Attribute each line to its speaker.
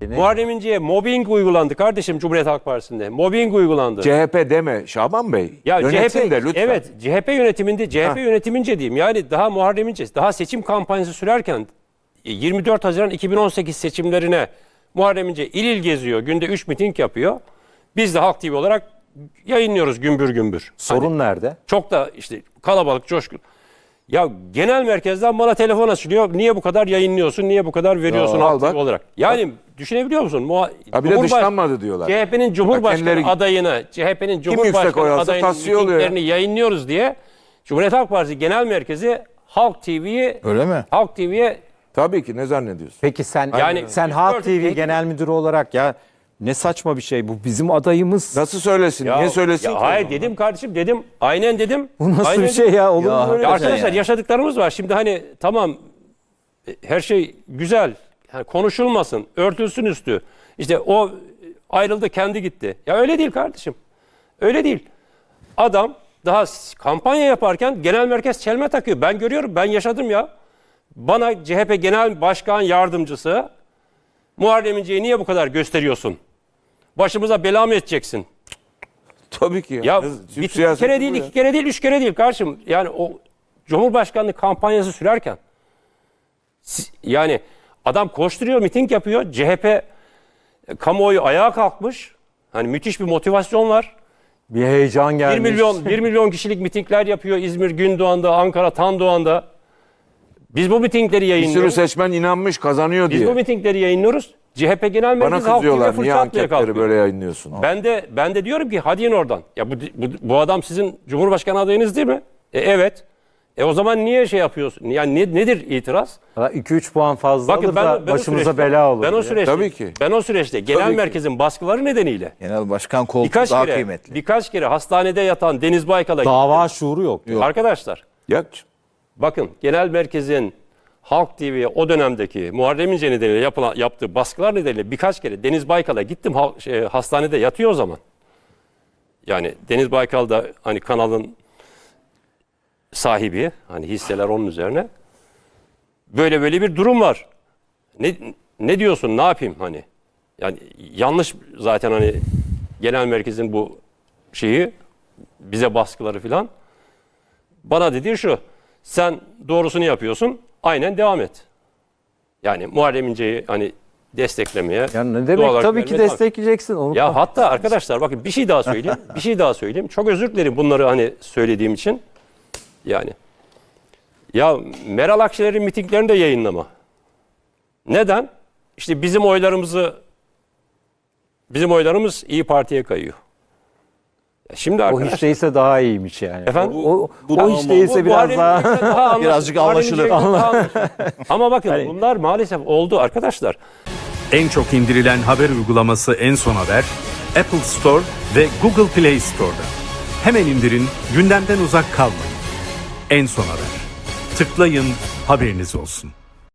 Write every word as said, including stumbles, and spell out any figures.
Speaker 1: Muharrem İnce'ye mobbing uygulandı kardeşim Cumhuriyet Halk Partisi'nde. Mobbing uygulandı.
Speaker 2: C H P deme Şaban Bey.
Speaker 1: Ya
Speaker 2: Yönetim
Speaker 1: C H P,
Speaker 2: de lütfen.
Speaker 1: evet C H P yönetiminde, C H P
Speaker 2: Heh.
Speaker 1: yönetimince diyeyim. Yani daha Muharrem İnce, daha seçim kampanyası sürerken yirmi dört Haziran iki bin on sekiz seçimlerine Muharrem İnce il il geziyor. Günde üç miting yapıyor. Biz de Halk T V olarak yayınlıyoruz gümbür gümbür.
Speaker 3: Sorun
Speaker 1: Hani
Speaker 3: nerede?
Speaker 1: çok da işte kalabalık, coşkun. Ya genel merkezden bana telefon açılıyor. Niye bu kadar yayınlıyorsun? Niye bu kadar veriyorsun
Speaker 2: Ya, al
Speaker 1: Halk T V
Speaker 2: bak.
Speaker 1: olarak? Yani düşünebiliyor musun? Muha
Speaker 2: Ha bir de
Speaker 1: Cumhurbaş-
Speaker 2: dışlanmadı diyorlar.
Speaker 1: C H P'nin Cumhurbaşkanı
Speaker 2: kendileri-
Speaker 1: adayını, C H P'nin
Speaker 2: yüksek oy
Speaker 1: Cumhurbaşkanı
Speaker 2: alsa
Speaker 1: adayının
Speaker 2: tasfiye oluyor ya.
Speaker 1: mitinglerini yayınlıyoruz diye Cumhuriyet Halk Partisi Genel Merkezi Halk T V'yi
Speaker 4: Öyle mi?
Speaker 1: Halk T V'ye
Speaker 2: Tabii ki, ne zannediyorsun?
Speaker 3: Peki sen
Speaker 1: Yani-
Speaker 3: sen
Speaker 1: Biz
Speaker 3: Halk
Speaker 1: gördük,
Speaker 3: T V
Speaker 1: peki.
Speaker 3: Genel Müdürü olarak ya ne saçma bir şey bu. Bizim adayımız.
Speaker 2: Nasıl söylesin?
Speaker 1: Ya-
Speaker 2: Niye söylesin
Speaker 1: ya
Speaker 2: ki?
Speaker 1: hayır dedim kardeşim dedim. Aynen dedim.
Speaker 3: Bu nasıl
Speaker 1: Aynen
Speaker 3: bir şey ya? Olur
Speaker 4: Ya
Speaker 3: mu böyle?
Speaker 1: Ya
Speaker 3: bir şey?
Speaker 1: arkadaşlar
Speaker 4: yani.
Speaker 1: yaşadıklarımız var. Şimdi hani tamam e, her şey güzel. Yani konuşulmasın, örtülsün üstü. İşte o ayrıldı, kendi gitti. Ya öyle değil kardeşim. Öyle değil. Adam daha s- kampanya yaparken genel merkez çelme takıyor. Ben görüyorum, ben yaşadım ya. Bana C H P Genel Başkan Yardımcısı Muharrem İnce'yi niye bu kadar gösteriyorsun? Başımıza bela mı edeceksin?
Speaker 2: Tabii ki.
Speaker 1: Ya
Speaker 2: Ne-
Speaker 1: bir,
Speaker 2: Türk
Speaker 1: bir
Speaker 2: siyaseti
Speaker 1: kere
Speaker 2: bu
Speaker 1: değil,
Speaker 2: ya.
Speaker 1: iki kere değil, üç kere değil kardeşim. Yani o Cumhurbaşkanlığı kampanyası sürerken si- yani adam koşturuyor, miting yapıyor. C H P e, kamuoyu ayağa kalkmış. Hani müthiş bir motivasyon var.
Speaker 3: Bir heyecan
Speaker 1: bir
Speaker 3: gelmiş.
Speaker 1: milyon bir milyon kişilik mitingler yapıyor İzmir Gündoğan'da, Ankara Tandoğan'da. Biz bu mitingleri
Speaker 2: Bir sürü
Speaker 1: yayınlıyoruz.
Speaker 2: seçmen inanmış, kazanıyor
Speaker 1: Biz
Speaker 2: diye.
Speaker 1: bu mitingleri yayınlıyoruz. C H P Genel
Speaker 2: Bana
Speaker 1: Merkezi Halk T V'ye
Speaker 2: kızıyorlar.
Speaker 1: fırça
Speaker 2: Niye
Speaker 1: atmaya
Speaker 2: anketleri
Speaker 1: kalkıyor.
Speaker 2: böyle yayınlıyorsun?
Speaker 1: Ben de ben de diyorum ki hadi in oradan. Ya bu, bu, bu adam sizin Cumhurbaşkanı adayınız değil mi? E, evet. E o zaman niye şey yapıyorsun? Yani ne, nedir itiraz?
Speaker 3: iki üç puan fazla
Speaker 1: Bakın
Speaker 3: alır
Speaker 1: ben,
Speaker 3: da
Speaker 1: ben o
Speaker 3: başımıza
Speaker 1: süreçte-
Speaker 3: bela olur.
Speaker 1: Ben o
Speaker 3: diye.
Speaker 1: süreçte,
Speaker 2: Tabii ki.
Speaker 1: ben o süreçte genel
Speaker 2: Tabii ki.
Speaker 1: merkezin baskıları nedeniyle
Speaker 4: Genel başkan koltuğu
Speaker 1: birkaç
Speaker 4: daha
Speaker 1: kere
Speaker 4: kıymetli.
Speaker 1: birkaç kere hastanede yatan Deniz Baykal'a
Speaker 3: Dava şuuru yok.
Speaker 4: Yok.
Speaker 1: arkadaşlar
Speaker 2: Ya,
Speaker 1: bakın genel merkezin Halk T V'ye o dönemdeki Muharrem İnce nedeniyle yapılan, yaptığı baskılar nedeniyle birkaç kere Deniz Baykal'a gittim ha- şey, hastanede yatıyor o zaman. Yani Deniz Baykal da hani kanalın sahibi, hani hisseler onun üzerine. Böyle böyle bir durum var. Ne ne diyorsun? Ne yapayım hani? Yani yanlış zaten hani genel merkezin bu şeyi bize baskıları filan. Bana dediği şu. Sen doğrusunu yapıyorsun. Aynen devam et. Yani Muharrem İnce'yi hani desteklemeye.
Speaker 3: Ya ne
Speaker 1: doğal
Speaker 3: demek
Speaker 1: olarak
Speaker 3: tabii ki
Speaker 1: vermeye devam et.
Speaker 3: destekleyeceksin onu.
Speaker 1: Ya hatta arkadaşlar bakın bir şey daha söyleyeyim. Bir şey daha söyleyeyim. Çok özür dilerim bunları hani söylediğim için. Yani. Ya Meral Akşener'in mitinglerini de yayınlama. Neden? İşte bizim oylarımızı bizim oylarımız İyi Parti'ye kayıyor. Ya şimdi
Speaker 3: o
Speaker 1: arkadaşlar.
Speaker 3: hiç değilse daha iyiymiş yani.
Speaker 1: Efendim?
Speaker 3: O, o,
Speaker 4: Bu-
Speaker 3: o
Speaker 4: bu-
Speaker 3: hiç değilse
Speaker 1: Bu
Speaker 3: biraz
Speaker 1: Muharrem
Speaker 3: daha.
Speaker 1: İnce'yle daha anlaşılır.
Speaker 4: Birazcık
Speaker 1: Muharrem
Speaker 4: anlaşılır.
Speaker 1: İnce'yle daha anlaşılır. Ama bakın
Speaker 3: Hani-
Speaker 1: bunlar maalesef oldu arkadaşlar.
Speaker 5: En çok indirilen haber uygulaması En Son Haber, Apple Store ve Google Play Store'da. Hemen indirin, gündemden uzak kalmayın. En Son Haber. Tıklayın, haberiniz olsun.